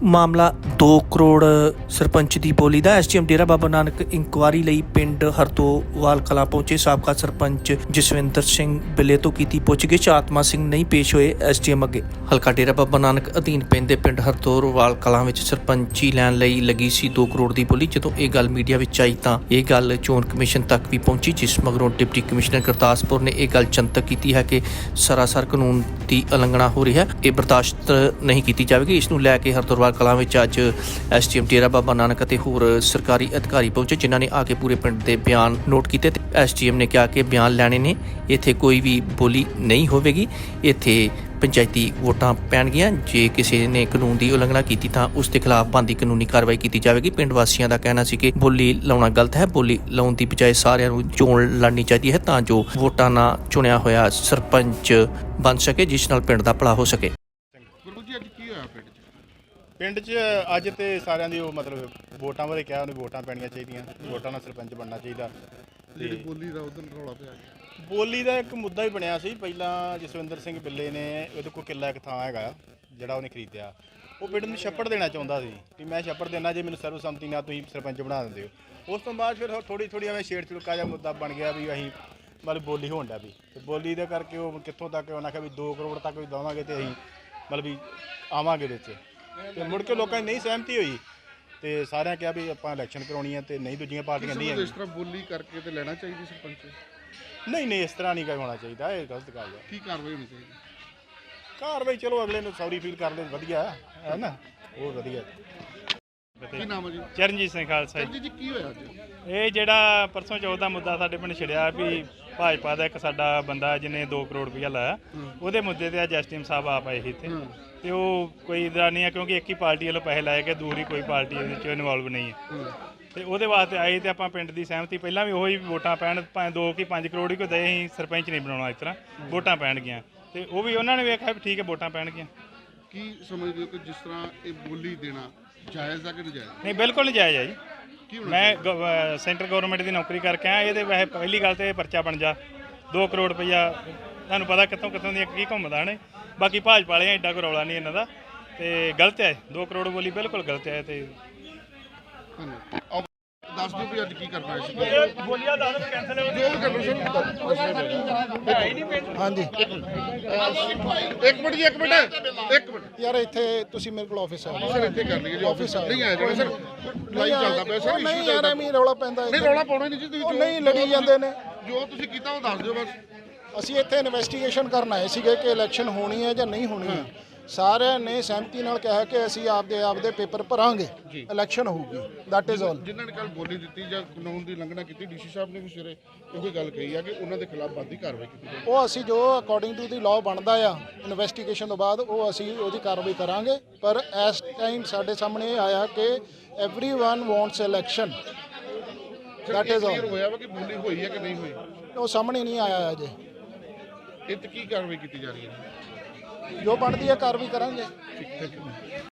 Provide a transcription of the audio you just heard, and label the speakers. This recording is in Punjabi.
Speaker 1: ਮਾਮਲਾ 2 ਕਰੋੜ ਸਰਪੰਚ ਦੀ ਬੋਲੀ ਦਾ। ਐਸਡੀਐਮ ਡੇਰਾ ਬਾਬਾ ਨਾਨਕ ਇਨਕੁਆਰੀ ਲਈ ਪਿੰਡ ਹਰਤੋਵਾਲ ਕਲਾਂ ਪਹੁੰਚੇ। ਸਾਬਕਾ ਸਰਪੰਚ ਜਸਵਿੰਦਰ ਸਿੰਘ ਬਿੱਲੇ ਤੋਂ ਕੀਤੀ ਪੁੱਛਗਿੱਛ। ਆਤਮਾ ਸਿੰਘ ਨਹੀਂ ਪੇਸ਼ ਹੋਏ ਐਸਡੀਐਮ ਅੱਗੇ। ਹਲਕਾ ਡੇਰਾ ਬਾਬਾ ਨਾਨਕ ਅਧੀਨ ਪੈਂਦੇ ਪਿੰਡ ਹਰਤੋਵਾਲ ਕਲਾਂ ਵਿੱਚ ਸਰਪੰਚੀ ਲੈਣ ਲਈ ਲੱਗੀ ਸੀ 2 ਕਰੋੜ ਦੀ ਬੋਲੀ। ਜਦੋਂ ਇਹ ਗੱਲ ਮੀਡੀਆ ਵਿੱਚ ਆਈ ਤਾਂ ਇਹ ਗੱਲ ਚੋਣ ਕਮਿਸ਼ਨ ਤੱਕ ਵੀ ਪਹੁੰਚੀ, ਜਿਸ ਮਗਰੋਂ ਡਿਪਟੀ ਕਮਿਸ਼ਨਰ ਗੁਰਦਾਸਪੁਰ ਨੇ ਇਹ ਗੱਲ ਜਨਤਕ ਕੀਤੀ ਹੈ ਕਿ ਸਰਾਸਰ ਕਾਨੂੰਨ ਦੀ ਉਲੰਘਣਾ ਹੋ ਰਹੀ ਹੈ। ਇਹ ਬਰਦਾਸ਼ਤ ਨਹੀਂ ਕੀਤੀ ਜਾਵੇਗੀ। ਇਸ ਨੂੰ ਲੈ ਕੇ ਹਰਤੋਵਾਲ ਕਲਾਂ ਵਿੱਚ ਅੱਜ ਐਸਡੀਐਮ ਡੇਰਾ ਬਾਬਾ ਨਾਨਕ ਅਤੇ ਹੋਰ ਸਰਕਾਰੀ ਅਧਿਕਾਰੀ ਪਹੁੰਚੇ, ਜਿਨ੍ਹਾਂ ਨੇ ਆ ਕੇ ਪੂਰੇ ਪਿੰਡ ਦੇ ਬਿਆਨ ਨੋਟ ਕੀਤੇ ਤੇ ਐਸਡੀਐਮ ਨੇ ਕਿਹਾ ਕਿ ਬਿਆਨ ਲੈਣੇ ਨੇ, ਇੱਥੇ ਕੋਈ ਵੀ ਬੋਲੀ ਨਹੀਂ ਹੋਵੇਗੀ, ਇੱਥੇ ਪੰਚਾਇਤੀ ਵੋਟਾਂ ਪੈਣਗੀਆਂ। ਜੇ ਕਿਸੇ ਨੇ ਕਾਨੂੰਨ ਦੀ ਉਲੰਘਣਾ ਕੀਤੀ ਤਾਂ ਉਸ ਦੇ ਖਿਲਾਫ ਬਣਦੀ ਕਾਨੂੰਨੀ ਕਾਰਵਾਈ ਕੀਤੀ ਜਾਵੇਗੀ। ਪਿੰਡ ਵਾਸੀਆਂ ਦਾ ਕਹਿਣਾ ਸੀ ਕਿ ਬੋਲੀ ਲਾਉਣਾ ਗਲਤ ਹੈ। ਬੋਲੀ ਲਾਉਣ ਦੀ ਬਜਾਏ ਸਾਰਿਆਂ ਨੂੰ ਚੋਣ ਲੜਨੀ ਚਾਹੀਦੀ ਹੈ ਤਾਂ ਜੋ ਵੋਟਾਂ ਨਾਲ ਚੁਣਿਆ ਹੋਇਆ ਸਰਪੰਚ ਬਣ ਸਕੇ, ਜਿਸ ਨਾਲ ਪਿੰਡ ਦਾ ਭਲਾ ਹੋ ਸਕੇ।
Speaker 2: ਗੁਰੂ ਜੀ ਅੱਜ ਕੀ ਹੋਇਆ ਪਿੰਡ 'ਚ ਅੱਜ ਤੇ ਸਾਰਿਆਂ ਦੀ ਉਹ ਮਤਲਬ ਵੋਟਾਂ ਬਾਰੇ ਕਿਹਾ, ਉਹਨੂੰ ਵੋਟਾਂ ਪੈਣੀਆਂ ਚਾਹੀਦੀਆਂ, ਵੋਟਾਂ ਨਾਲ ਸਰਪੰਚ ਬਣਨਾ ਚਾਹੀਦਾ।
Speaker 3: ਜਿਹੜੀ ਬੋਲੀ ਦਾ ਉਦੋਂ ਰੌਲਾ ਪਿਆ,
Speaker 2: ਬੋਲੀ ਦਾ ਇੱਕ ਮੁੱਦਾ ਹੀ ਬਣਿਆ ਸੀ। ਪਹਿਲਾਂ ਜਸਵਿੰਦਰ ਸਿੰਘ ਬਿੱਲੇ ਨੇ ਉਹਦੇ ਕੋਲ ਕਿੱਲਾ ਇੱਕ ਥਾਂ ਹੈਗਾ ਜਿਹੜਾ ਉਹਨੇ ਖਰੀਦਿਆ, ਉਹ ਪਿੰਡ ਨੂੰ ਛੱਪੜ ਦੇਣਾ ਚਾਹੁੰਦਾ ਸੀ ਕਿ ਮੈਂ ਛੱਪੜ ਦੇਣਾ ਜੇ ਮੈਨੂੰ ਸਰਵਸੰਮਤੀ ਨਾਲ ਤੁਸੀਂ ਸਰਪੰਚ ਬਣਾ ਦਿੰਦੇ ਹੋ। ਉਸ ਤੋਂ ਬਾਅਦ ਫਿਰ ਥੋੜੀ ਐਵੇਂ ਛੇੜ ਛੁੜਕਾ ਜਿਹਾ ਮੁੱਦਾ ਬਣ ਗਿਆ ਵੀ ਅਸੀਂ ਮਤਲਬ ਬੋਲੀ ਹੋਣ ਡਿਆ ਵੀ, ਤੇ ਬੋਲੀ ਦੇ ਕਰਕੇ ਉਹ ਕਿੱਥੋਂ ਤੱਕ ਉਹਨਾਂ ਆਖਿਆ ਵੀ 2 ਕਰੋੜ ਤੱਕ ਵੀ ਦੇਵਾਂਗੇ ਤੇ ਅਸੀਂ ਮਤਲਬ ਵੀ ਆਵਾਂਗੇ ਵਿੱਚ, ਤੇ ਮੁੜ ਕੇ ਲੋਕਾਂ ਦੀ ਨਹੀਂ ਸਹਿਮਤੀ ਹੋਈ ਤੇ ਸਾਰਿਆਂ ਕਿਹਾ ਵੀ ਆਪਾਂ ਇਲੈਕਸ਼ਨ ਕਰਾਉਣੀ ਹੈ ਤੇ ਨਹੀਂ ਦੂਜੀਆਂ ਪਾਰਟੀਆਂ ਨਹੀਂ
Speaker 3: ਇਸ ਤਰ੍ਹਾਂ ਬੋਲੀ ਕਰਕੇ ਤੇ ਲੈਣਾ ਚਾਹੀਦੀ ਸਰਪੰਚ।
Speaker 2: ਨਹੀਂ ਇਸ ਤਰ੍ਹਾਂ ਨਹੀਂ ਹੋਣਾ ਚਾਹੀਦਾ, ਇਹ ਗਲਤ ਗੱਲ ਹੈ।
Speaker 3: ਕੀ ਕਾਰਵਾਈ ਹੋਣੀ ਚਾਹੀਦੀ?
Speaker 2: ਕਾਰਵਾਈ ਚਲੋ ਅਗਲੇ ਨੂੰ ਸੌਰੀ ਫੀਲ ਕਰ ਲੈ, ਵਧੀਆ ਹੈ ਨਾ, ਉਹ ਵਧੀਆ।
Speaker 3: ਕੀ ਨਾਮ ਹੈ ਜੀ?
Speaker 4: ਚਰਨਜੀਤ ਸਿੰਘ ਖਾਲਸਾ
Speaker 3: ਜੀ ਕੀ ਹੋਇਆ ਅੱਜ?
Speaker 4: ਇਹ ਜਿਹੜਾ ਪਰਸੋਂ ਚੌਥ ਦਾ ਮੁੱਦਾ ਸਾਡੇ ਪਿੰਡ ਛਿੜਿਆ ਵੀ ਭਾਜਪਾ ਦਾ ਇੱਕ ਸਾਡਾ ਬੰਦਾ ਜਿਹਨੇ 2 ਕਰੋੜ ਰੁਪਇਆ ਲਾਇਆ, ਉਹਦੇ ਮੁੱਦੇ ਤੇ ਅੱਜ ਐਸਡੀਐਮ ਸਾਹਿਬ ਆਪ ਆਏ ਸੀ ਇੱਥੇ, ਤੇ ਉਹ ਕੋਈ ਇਦਾਂ ਨਹੀਂ ਹੈ ਕਿਉਂਕਿ ਇੱਕ ਹੀ ਪਾਰਟੀ ਵੱਲੋਂ ਪੈਸੇ ਲਾਏ ਗਏ, ਦੂਰੀ ਕੋਈ ਪਾਰਟੀ ਇਹਦੇ ਵਿੱਚ ਇਨਵੋਲਵ ਨਹੀਂ ਹੈ, ਤੇ ਉਹਦੇ ਵਾਸਤੇ ਆਏ ਤੇ ਆਪਾਂ ਪਿੰਡ ਦੀ ਸਹਿਮਤੀ ਪਹਿਲਾਂ ਵੀ ਉਹੀ ਵੋਟਾਂ ਪੈਣ, ਭਾਵੇਂ 2 ਕਿ 5 ਕਰੋੜ ਹੀ ਕੋਈ ਦੇ, ਅਸੀਂ ਸਰਪੰਚ ਨਹੀਂ ਬਣਾਉਣਾ, ਇਸ ਤਰ੍ਹਾਂ ਵੋਟਾਂ ਪੈਣਗੀਆਂ, ਤੇ ਉਹ ਵੀ ਉਹਨਾਂ ਨੇ ਵੇਖਿਆ ਵੀ ਠੀਕ ਹੈ ਵੋਟਾਂ ਪੈਣਗੀਆਂ।
Speaker 3: ਕੀ ਸਮਝਦੇ ਹੋ ਕਿ ਜਿਸ ਤਰ੍ਹਾਂ ਇਹ ਬੋਲੀ ਦੇਣਾ ਜਾਇਜ਼ ਹੈ ਕਿ ਨਜਾਇਜ਼?
Speaker 4: ਨਹੀਂ, ਬਿਲਕੁਲ ਨਜਾਇਜ਼ ਹੈ ਜੀ। ਮੈਂ ਸੈਂਟਰ ਗਵਰਨਮੈਂਟ ਦੀ ਨੌਕਰੀ ਕਰਕੇ ਆਇਆ, ਇਹਦੇ ਵੈਸੇ ਪਹਿਲੀ ਗੱਲ ਤੇ ਇਹ ਪਰਚਾ ਬਣ ਜਾ 2 ਕਰੋੜ ਰੁਪਈਆ ਤੁਹਾਨੂੰ ਪਤਾ ਕਿੱਥੋਂ ਦੀਆਂ ਕੀ ਘੁੰਮਦਾ ਨੇ। ਬਾਕੀ ਭਾਜਪਾ ਵਾਲਿਆਂ ਐਡਾ ਕੋਈ ਰੌਲਾ ਨਹੀਂ ਇਹਨਾਂ ਦਾ, ਤੇ ਗਲਤ ਹੈ 2 ਕਰੋੜ ਬੋਲੀ ਬਿਲਕੁਲ ਗਲਤ ਹੈ। ਤੇ
Speaker 3: ਦੱਸ ਦਿਓ ਵੀ ਅੱਜ ਕੀ ਕਰਨਾ ਹੈ?
Speaker 4: ਬੋਲੀਆਂ ਦਾ ਕੈਂਸਲ ਹੋ
Speaker 3: ਜੋ ਵੀ ਕਰਨਾ
Speaker 5: ਹਾਂਜੀ
Speaker 3: ਇੱਕ ਮਿੰਟ
Speaker 5: ਯਾਰ, ਇੱਥੇ ਤੁਸੀਂ ਮੇਰੇ ਕੋਲ ਆਫਿਸ ਆ
Speaker 3: ਸਰ, ਇੱਥੇ ਕਰ ਲਈਏ ਜੀ। ਆਫਿਸ ਨਹੀਂ ਆਇਆ ਜੀ ਸਰ, ਲਾਈਵ ਚੱਲਦਾ ਪਿਆ ਸਰ।
Speaker 5: ਨਹੀਂ ਯਾਰ, ਐਵੇਂ ਰੌਲਾ ਪੈਂਦਾ।
Speaker 3: ਨਹੀਂ ਰੌਲਾ ਪਾਉਣਾ ਨਹੀਂ ਜੀ, ਤੁਸੀਂ
Speaker 5: ਨਹੀਂ ਲੜੀ ਜਾਂਦੇ ਨੇ।
Speaker 3: ਜੋ ਤੁਸੀਂ ਕੀਤਾ ਉਹ ਦੱਸ ਦਿਓ ਬਸ।
Speaker 5: ਅਸੀਂ ਇੱਥੇ ਇਨਵੈਸਟੀਗੇਸ਼ਨ ਕਰਨ ਆਏ ਸੀਗੇ ਕਿ ਇਲੈਕਸ਼ਨ ਹੋਣੀ ਹੈ ਜਾਂ ਨਹੀਂ ਹੋਣੀ ਹੈ। ਸਾਰਿਆਂ ਨੇ ਸਹਿਮਤੀ ਨਾਲ ਕਿਹਾ ਕਿ ਅਸੀਂ ਆਪਦੇ ਪੇਪਰ ਭਰਾਂਗੇ, ਇਲੈਕਸ਼ਨ ਹੋਊਗੀ, ਦੈਟ ਇਜ਼ ਆਲ।
Speaker 3: ਜਿਨ੍ਹਾਂ ਨੇ ਕੱਲ ਬੋਲੀ ਦਿੱਤੀ ਜਾਂ ਕਾਨੂੰਨ ਦੀ ਉਲੰਘਣਾ ਕੀਤੀ, ਡੀਸੀ ਸਾਹਿਬ ਨੇ ਵੀ ਸਵੇਰੇ ਉਹੀ ਗੱਲ ਕਹੀ ਆ ਕਿ ਉਹਨਾਂ ਦੇ ਖਿਲਾਫ ਬਣਦੀ ਕਾਰਵਾਈ ਕੀਤੀ ਜਾਵੇ।
Speaker 5: ਉਹ ਅਸੀਂ ਜੋ ਅਕੋਰਡਿੰਗ ਟੂ ਦੀ ਲਾਅ ਬਣਦਾ ਆ ਇਨਵੈਸਟੀਗੇਸ਼ਨ ਤੋਂ ਬਾਅਦ ਉਹ ਅਸੀਂ ਉਹਦੀ ਕਾਰਵਾਈ ਕਰਾਂਗੇ। ਪਰ ਇਸ ਟਾਈਮ ਸਾਡੇ ਸਾਹਮਣੇ ਇਹ ਆਇਆ ਕਿ everyone wants election, that is all.
Speaker 3: ਹੋਇਆ ਵਾ ਕਿ ਬੋਲੀ ਹੋਈ ਹੈ ਕਿ ਨਹੀਂ ਹੋਈ,
Speaker 5: ਉਹ ਸਾਹਮਣੇ ਨਹੀਂ ਆਇਆ ਅਜੇ।
Speaker 3: ਇਹ ਤੇ ਕੀ ਕਾਰਵਾਈ ਕੀਤੀ ਜਾ ਰਹੀ ਹੈ?
Speaker 5: ਜੋ ਬਣਦੀ ਹੈ ਕਾਰਵਾਈ ਕਰਾਂਗੇ।
Speaker 3: ਠੀਕ ਹੈ।